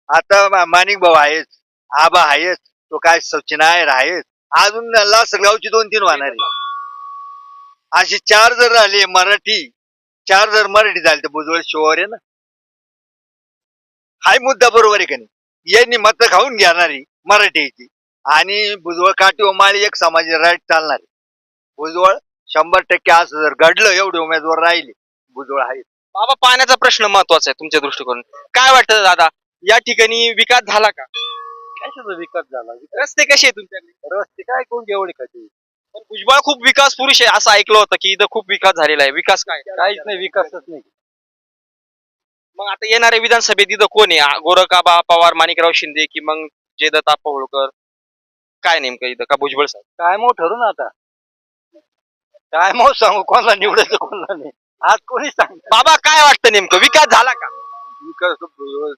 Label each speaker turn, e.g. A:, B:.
A: आता माणिक भाऊ आहेच, आबा आहेच, तो काय सचिन आहेच, अजून लासलगावची 2-3 वाहणार आहे. अशी 4 जर झाले मराठी, 4 जर मराठी झाले तर भुजबळ शिवार आहे ना. हाय मुद्दा बरोबर आहे का नाही. यांनी मत खाऊन घेणारी मराठीची आणि भुजबळ काठी व माळी एक समाज राईट चालणार. भुजबळ 100% असं जर घडलं एवढे उमेदवार राहिले भुजबळ आहे.
B: बाबा पाण्याचा प्रश्न महत्वाचा आहे तुमच्या दृष्टिकोन काय वाटतं दादा या ठिकाणी विकास झाला का
A: कशाचा विकास झाला?
B: रस्ते कसे आहेत तुमच्याकडे
A: रस्ते काय कोण एवढे कधी
B: पण भुजबळ खूप विकास पुरुष आहे असं ऐकलं होतं की इथं खूप विकास झालेला आहे विकास काय
A: काहीच नाही, विकासच नाही.
B: मग आता येणाऱ्या विधानसभेत इथं कोण आहे गोरखाबा पवार माणिकराव शिंदे की मग जयदत्त होळकर काय नेमकं इथं का भुजबळ साहेब
A: काय मग ठरू ना आता. काय मग सांगू कोणाला निवडायचं कोणाला नाही. आज कोणी सांग
B: बाबा काय वाटतं नेमकं विकास झाला का
A: विकास